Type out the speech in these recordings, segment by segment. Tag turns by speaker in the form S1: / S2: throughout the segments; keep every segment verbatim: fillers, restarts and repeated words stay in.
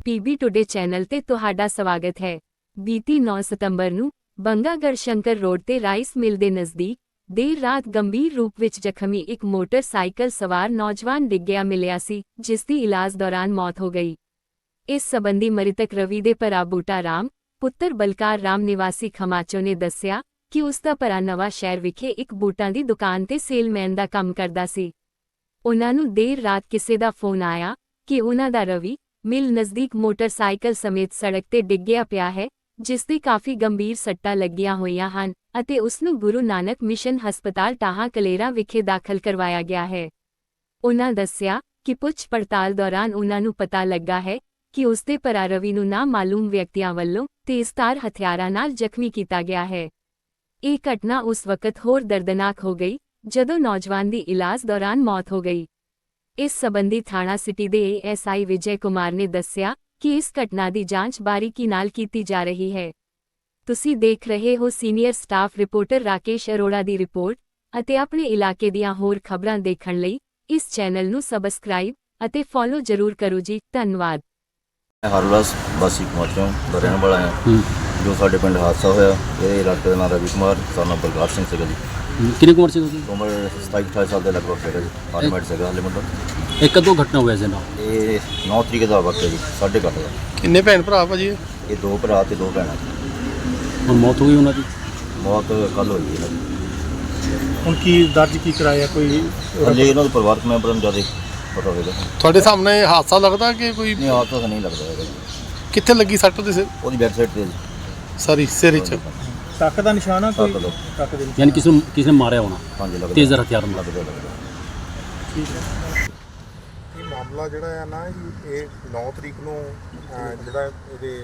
S1: PB today channel ਤੇ ਤੁਹਾਡਾ ਸਵਾਗਤ ਹੈ। ਬੀਤੀ ਨੌਂ ਸਤੰਬਰ ਨੂੰ ਬੰਗਾ ਗੜਸ਼ੰਕਰ ਰੋਡ ਤੇ ਰਾਈਸ ਮਿਲ ਦੇ ਨਜ਼ਦੀਕ ਦੇਰ ਰਾਤ ਗੰਭੀਰ ਰੂਪ ਵਿੱਚ ਜ਼ਖਮੀ ਇੱਕ ਮੋਟਰਸਾਈਕਲ ਸਵਾਰ ਨੌਜਵਾਨ ਡਿੱਗਿਆ ਮਿਲਿਆ ਸੀ, ਜਿਸ ਦੀ ਇਲਾਜ ਦੌਰਾਨ ਮੌਤ ਹੋ ਗਈ। ਇਸ ਸਬੰਧੀ ਮ੍ਰਿਤਕ ਰਵੀ ਦੇ ਭਰਾ ਬੂਟਾ ਰਾਮ ਪੁੱਤਰ ਬਲਕਾਰ ਰਾਮ ਨਿਵਾਸੀ ਖਮਾਚੋ ਨੇ ਦੱਸਿਆ ਕਿ ਉਸ ਦਾ ਭਰਾ ਨਵਾਂ ਸ਼ਹਿਰ ਵਿਖੇ ਇੱਕ ਬੂਟਾਂ ਦੀ ਦੁਕਾਨ ਤੇ ਸੇਲਮੈਨ ਦਾ ਕੰਮ ਕਰਦਾ ਸੀ। ਉਨ੍ਹਾਂ ਨੂੰ ਦੇਰ ਰਾਤ ਕਿਸੇ ਦਾ ਫੋਨ ਆਇਆ ਕਿ ਉਨ੍ਹਾਂ ਦਾ ਰਵੀ ਮਿਲ ਨਜ਼ਦੀਕ ਮੋਟਰਸਾਈਕਲ ਸਮੇਤ ਸੜਕ ਤੇ ਡਿੱਗਿਆ ਪਿਆ ਹੈ, ਜਿਸ ਦੇ ਕਾਫੀ ਗੰਭੀਰ ਸੱਟਾਂ ਲੱਗੀਆਂ ਹੋਈਆਂ ਹਨ ਅਤੇ ਉਸ ਨੂੰ ਗੁਰੂ ਨਾਨਕ ਮਿਸ਼ਨ ਹਸਪਤਾਲ ਟਾਹਾ ਕਲੇਰਾ ਵਿਖੇ ਦਾਖਲ ਕਰਵਾਇਆ ਗਿਆ ਹੈ। ਉਨ੍ਹਾਂ ਦੱਸਿਆ ਕਿ ਪੁੱਛ ਪੜਤਾਲ ਦੌਰਾਨ ਉਨ੍ਹਾਂ ਨੂੰ ਪਤਾ ਲੱਗਾ ਹੈ ਕਿ ਉਸ ਦੇ ਭਰਾ ਰਵੀ ਨੂੰ ਨਾਮਾਲੂਮ ਵਿਅਕਤੀਆਂ ਵੱਲੋਂ ਤੇਜ਼ਧਾਰ ਹਥਿਆਰਾਂ ਨਾਲ ਜ਼ਖਮੀ ਕੀਤਾ ਗਿਆ ਹੈ। ਇਹ ਘਟਨਾ ਉਸ ਵਕਤ ਹੋਰ ਦਰਦਨਾਕ ਹੋ ਗਈ ਜਦੋਂ ਨੌਜਵਾਨ ਦੀ ਇਲਾਜ ਦੌਰਾਨ ਮੌਤ ਹੋ ਗਈ। ਇਸ ਸਬੰਧੀ ਥਾਣਾ ਸਿਟੀ ਦੇ A S I Vijay Kumar ਨੇ ਦੱਸਿਆ ਕਿ ਇਸ ਘਟਨਾ ਦੀ ਜਾਂਚ ਬਾਰੀਕੀ ਨਾਲ ਕੀਤੀ ਜਾ ਰਹੀ ਹੈ। ਤੁਸੀਂ ਦੇਖ ਰਹੇ ਹੋ senior staff reporter Rakesh Arora ਦੀ ਰਿਪੋਰਟ ਅਤੇ ਆਪਣੇ ਇਲਾਕੇ ਦੀਆਂ ਹੋਰ ਖਬਰਾਂ ਦੇਖਣ ਲਈ ਇਸ ਚੈਨਲ ਨੂੰ ਸਬਸਕ੍ਰਾਈਬ ਅਤੇ ਫੋਲੋ ਜ਼ਰੂਰ ਕਰੋ ਜੀ। ਧੰਨਵਾਦ।
S2: ਹਰਲਾਸ ਵਾਸੀ ਖਮਾਚੋਂ ਦਾ ਰਹਿਣ ਵਾਲਾ ਹਾਂ। ਜੋ ਸਾਡੇ ਪਿੰਡ ਹਾਦਸਾ ਹੋਇਆ, ਇਹ ਇਲਾਕੇ ਦਾ ਨਾਮ ਰਵੀ ਕੁਮਾਰ ਸਾਨਾ ਬਲਕਾਰ ਸਿੰਘ ਸੀਗਾ ਜੀ।
S3: ਕਿੰਨੀ ਕੁ ਉਮਰ ਸੀ ਉਹਦੀ?
S2: ਉਮਰ ਸਤਾਈ ਅਠਾਈ ਸਾਲ ਦੇ ਲਗਭਗ ਸੀਗਾ ਜੀ। ਆਰਮੈਡ ਸੀਗਾ ਹਾਲੇ ਮੁੰਡਾ।
S3: ਇਹ ਕਦੋਂ ਘਟਨਾ ਹੋਇਆ ਸੀ ਨਾ?
S2: ਇਹ ਨੌ ਤਰੀਕ ਦਾ ਵਕਤ ਹੈ ਜੀ, ਸਾਢੇ ਕੁ ਅੱਠ ਦਾ।
S4: ਕਿੰਨੇ ਭੈਣ ਭਰਾ ਭਾਜੀ?
S2: ਇਹ ਦੋ ਭਰਾ ਤੇ ਦੋ ਭੈਣਾਂ ਜੀ।
S3: ਹੁਣ ਮੌਤ ਹੋ ਗਈ ਉਹਨਾਂ ਦੀ?
S2: ਮੌਤ ਕੱਲ੍ਹ ਹੋਈ ਇਹਨਾਂ ਦੀ।
S4: ਹੁਣ ਕੀ ਦਰਜ ਕੀ ਕਰਾਇਆ? ਕੋਈ
S2: ਹਾਲੇ ਇਹਨਾਂ ਦੇ ਪਰਿਵਾਰਕ ਮੈਂਬਰਾਂ ਨੂੰ ਜ਼ਿਆਦਾ ਪਤਾ ਹੋਵੇਗਾ।
S4: ਤੁਹਾਡੇ ਸਾਹਮਣੇ ਹਾਦਸਾ ਲੱਗਦਾ ਕਿ ਕੋਈ?
S2: ਨਹੀਂ, ਹਾਦਸਾ ਤਾਂ ਨਹੀਂ ਲੱਗਦਾ ਹੈਗਾ ਜੀ।
S4: ਕਿੱਥੇ ਲੱਗੀ ਸੱਟ ਉਹਦੇ ਸਿਰ?
S2: ਉਹਦੀ ਬੈਕ ਸਾਈਡ ਤੇ ਜੀ,
S4: ਸਾਰੀ ਸਿਰ ਵਿੱਚ ਟੱਕ ਦਾ ਨਿਸ਼ਾਨ ਆ ਕੋਈ?
S2: ਟੱਕ ਦਾ।
S4: ਟੱਕ ਦੇ
S3: ਯਾਨੀ ਕਿਸੇ ਨੂੰ ਕਿਸੇ ਨੇ ਮਾਰਿਆ ਹੋਣਾ?
S2: ਹਾਂਜੀ, ਲੱਗਦਾ
S3: ਤੇਜ਼ਧਾਰ ਹਥਿਆਰ ਨਾਲ।
S2: ਲੱਗਦਾ ਲੱਗਦਾ
S4: ਠੀਕ ਹੈ।
S5: ਇਹ ਮਾਮਲਾ ਜਿਹੜਾ ਆ ਨਾ ਜੀ, ਇਹ ਨੌ ਤਰੀਕ ਨੂੰ ਅਹ, ਜਿਹੜਾ ਇਹਦੇ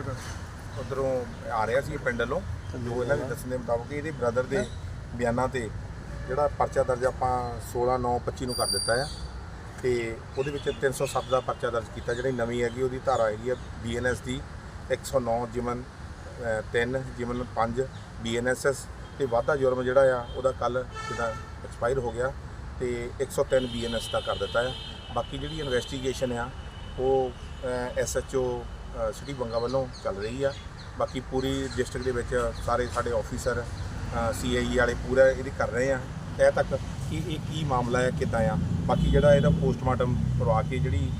S5: ਉੱਧਰੋਂ ਆ ਰਿਹਾ ਸੀ ਪਿੰਡ ਵੱਲੋਂ, ਜੋ ਇਹਨਾਂ ਦੇ ਦੱਸਣ ਦੇ ਮੁਤਾਬਕ ਇਹਦੇ ਬ੍ਰਦਰ ਦੇ ਬਿਆਨਾਂ ਤੇ ਜਿਹੜਾ ਪਰਚਾ ਦਰਜ ਆਪਾਂ ਸੋਲਾਂ ਨੌ ਪੱਚੀ ਨੂੰ ਕਰ ਦਿੱਤਾ ਆ, ਤੇ ਉਹਦੇ ਵਿੱਚ ਤਿੰਨ ਸੌ ਸੱਤ ਦਾ ਪਰਚਾ ਦਰਜ ਕੀਤਾ। ਜਿਹੜੀ ਨਵੀਂ ਹੈਗੀ ਉਹਦੀ ਧਾਰਾ ਹੈਗੀ ਆ ਬੀ ਐਨ ਐਸ ਦੀ ਇੱਕ ਸੌ ਨੌ ਜਿਮਨ ਤਿੰਨ ਜਿਮਨ ਪੰਜ ਬੀ ਐਨ ਐਸ ਐਸ ਅਤੇ ਵਾਧਾ ਜੁਰਮ ਜਿਹੜਾ ਆ ਉਹਦਾ ਕੱਲ੍ਹ ਜਿੱਦਾਂ ਐਕਸਪਾਇਰ ਹੋ ਗਿਆ ਤੇ ਇੱਕ ਸੌ ਤਿੰਨ ਬੀ ਐਨ ਐਸ ਦਾ ਕਰ ਦਿੱਤਾ ਆ। ਬਾਕੀ ਜਿਹੜੀ ਇਨਵੈਸਟੀਗੇਸ਼ਨ ਆ ਉਹ S H O city Banga ਵੱਲੋਂ ਚੱਲ ਰਹੀ ਆ। ਬਾਕੀ ਪੂਰੀ ਡਿਸਟ੍ਰਿਕਟ ਦੇ ਵਿੱਚ ਸਾਰੇ ਸਾਡੇ ਆਫੀਸਰ ਸੀ ਆਈ ਈ ਵਾਲੇ ਪੂਰਾ ਇਹਦੀ ਕਰ ਰਹੇ ਆ ਤਹਿ ਤੱਕ ਕਿ ਇਹ ਕੀ ਮਾਮਲਾ ਹੈ, ਕਿੱਦਾਂ ਆ। ਬਾਕੀ ਜਿਹੜਾ ਇਹਦਾ ਪੋਸਟਮਾਰਟਮ ਕਰਵਾ ਕੇ ਜਿਹੜੀ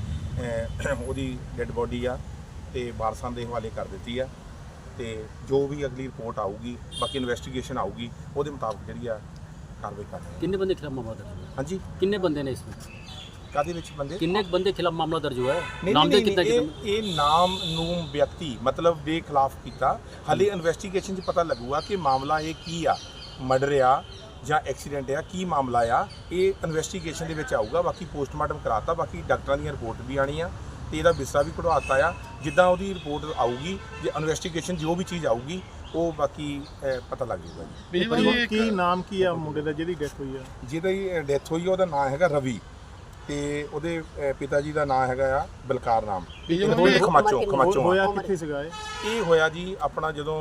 S5: ਉਹਦੀ ਡੈੱਡ ਬੋਡੀ ਆ ਤੇ ਵਾਰਸਾਂ ਦੇ ਹਵਾਲੇ ਕਰ ਦਿੱਤੀ ਆ, ਤੇ ਜੋ ਵੀ ਅਗਲੀ ਰਿਪੋਰਟ ਆਊਗੀ, ਬਾਕੀ ਇਨਵੈਸਟੀਗੇਸ਼ਨ ਆਊਗੀ, ਉਹਦੇ ਮੁਤਾਬਕ ਜਿਹੜੀ ਆ ਕਾਰਵਾਈ ਕਰ ਰਹੇ।
S3: ਕਿੰਨੇ ਬੰਦੇ ਖਿਲਾਫ ਮਾਮਲਾ ਦਰਜ ਹੋਇਆ?
S5: ਹਾਂਜੀ,
S3: ਕਿੰਨੇ ਬੰਦੇ ਨੇ इसमें?
S5: ਕਾਹਦੇ ਵਿੱਚ ਬੰਦੇ?
S3: ਕਿੰਨੇ ਬੰਦੇ ਖਿਲਾਫ ਮਾਮਲਾ ਦਰਜ ਹੋਇਆ ਹੈ?
S5: ਨਹੀਂ
S3: ਨਾਮ ਦੇ
S5: ਨਹੀਂ,
S3: ਕਿੰਨਾ
S5: ਇਹ ਇਹ ਨਾਮ ਨੂੰ ਵਿਅਕਤੀ ਮਤਲਬ ਦੇ ਖਿਲਾਫ ਕੀਤਾ। ਹਾਲੇ ਇਨਵੈਸਟੀਗੇਸ਼ਨ 'ਚ ਪਤਾ ਲੱਗੂਗਾ ਕਿ ਮਾਮਲਾ ਇਹ ਕੀ ਆ, ਮਰਡਰ ਆ ਜਾਂ ਐਕਸੀਡੈਂਟ ਆ, ਕੀ ਮਾਮਲਾ ਆ, ਇਹ ਇਨਵੈਸਟੀਗੇਸ਼ਨ ਦੇ ਵਿੱਚ ਆਊਗਾ। ਬਾਕੀ ਪੋਸਟਮਾਰਟਮ ਕਰਾਤਾ, ਬਾਕੀ ਡਾਕਟਰਾਂ ਦੀਆਂ ਰਿਪੋਰਟ ਵੀ ਆਣੀ ਆ ਤੇ ਇਹਦਾ ਬਿਸਤਰਾ ਵੀ ਕਢਵਾਤਾ ਆ। ਜਿੱਦਾਂ ਉਹਦੀ ਰਿਪੋਰਟ ਆਊਗੀ, ਜੇ ਇਨਵੈਸਟੀਗੇਸ਼ਨ ਜੋ ਵੀ ਚੀਜ਼ ਆਊਗੀ ਉਹ ਬਾਕੀ ਪਤਾ ਲੱਗ ਜਾਊਗਾ ਜੀ।
S4: ਕੀ ਨਾਮ ਕੀ ਆ ਮੁੰਡੇ ਦਾ ਜਿਹਦੀ ਡੈਥ ਹੋਈ ਆ?
S5: ਜਿਹਦੀ ਡੈਥ ਹੋਈ ਆ ਉਹਦਾ ਨਾਮ ਹੈਗਾ ਰਵੀ, ਤੇ ਉਹਦੇ ਪਿਤਾ ਜੀ ਦਾ ਨਾਮ ਹੈਗਾ ਆ ਬਲਕਾਰ ਰਾਮ। ਖਮਾਚੋਂ ਖਮਾਚੋਂ
S4: ਹੋਇਆ ਕਿੱਥੇ ਸੀਗਾ ਇਹ?
S5: ਇਹ ਹੋਇਆ ਜੀ ਆਪਣਾ ਜਦੋਂ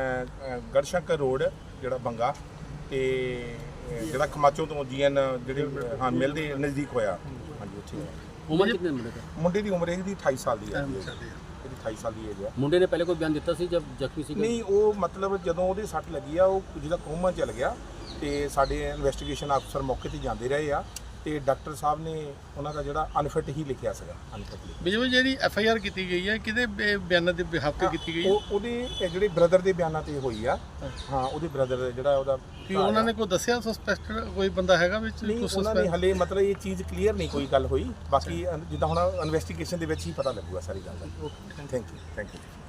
S5: ਗੜਸ਼ੰਕਰ ਰੋਡ ਜਿਹੜਾ ਬੰਗਾ ਤੇ ਜਿਹੜਾ ਖਮਾਚੋਂ ਤੋਂ ਜੀ ਐਨ ਜਿਹੜੇ ਹਾਂ ਮਿਲਦੇ ਨਜ਼ਦੀਕ ਹੋਇਆ। ਹਾਂਜੀ, ਉੱਥੇ ਹੋਇਆ।
S3: ਉਮਰ ਕਿੰਨੇ ਮੁੰਡੇ ਦਾ?
S5: ਮੁੰਡੇ ਦੀ ਉਮਰ ਇਹਦੀ ਅਠਾਈ ਸਾਲ ਦੀ ਹੈ। ਇਹਦੀ ਅਠਾਈ ਸਾਲ ਦੀ ਏਜ ਆ।
S3: ਮੁੰਡੇ ਨੇ ਪਹਿਲੇ ਕੋਈ ਬਿਆਨ ਦਿੱਤਾ ਸੀ ਜਦ ਜ਼ਖਮੀ ਸੀ?
S5: ਨਹੀਂ, ਉਹ ਮਤਲਬ ਜਦੋਂ ਉਹਦੇ ਸੱਟ ਲੱਗੀ ਆ ਉਹ ਜਿਹਦਾ ਕੋਮਾ ਚਲ ਗਿਆ, ਤੇ ਸਾਡੇ ਇਨਵੈਸਟੀਗੇਸ਼ਨ ਅਫਸਰ ਮੌਕੇ ਤੇ ਜਾਂਦੇ ਰਹੇ ਆ, ਤੇ ਡਾਕਟਰ ਸਾਹਿਬ ਨੇ ਉਹਨਾਂ ਦਾ ਜਿਹੜਾ ਅਨਫਿਟ ਹੀ ਲਿਖਿਆ ਸੀਗਾ। ਅਨਫਿਟ
S4: ਬਿਜੂ ਜਿਹੜੀ ਐਫ ਆਈ ਆਰ ਕੀਤੀ ਗਈ ਹੈ ਕਿਹਦੇ ਬਿਆਨਾਂ ਦੇ ਬਿਹਾਫ ਤੇ ਕੀਤੀ ਗਈ ਹੈ?
S5: ਉਹ ਉਹਦੇ ਜਿਹੜੇ ਬ੍ਰਦਰ ਦੇ ਬਿਆਨਾਂ ਤੇ ਹੋਈ ਆ। ਹਾਂ, ਉਹਦੇ ਬ੍ਰਦਰ ਜਿਹੜਾ ਉਹਦਾ
S4: ਕੀ ਉਹਨਾਂ ਨੇ ਕੋਈ ਦੱਸਿਆ ਸਸਪੈਕਟਡ ਕੋਈ ਬੰਦਾ ਹੈਗਾ ਵਿੱਚ?
S5: ਨਹੀਂ, ਉਹਨਾਂ ਨੇ ਹਲੇ ਮਤਲਬ ਇਹ ਚੀਜ਼ ਕਲੀਅਰ ਨਹੀਂ ਕੋਈ ਗੱਲ ਹੋਈ। ਬਾਕੀ ਜਿੱਦਾਂ ਹੁਣ ਇਨਵੈਸਟੀਗੇਸ਼ਨ ਦੇ ਵਿੱਚ ਹੀ ਪਤਾ ਲੱਗੂਗਾ ਸਾਰੀ ਗੱਲ ਦਾ। Thank you thank you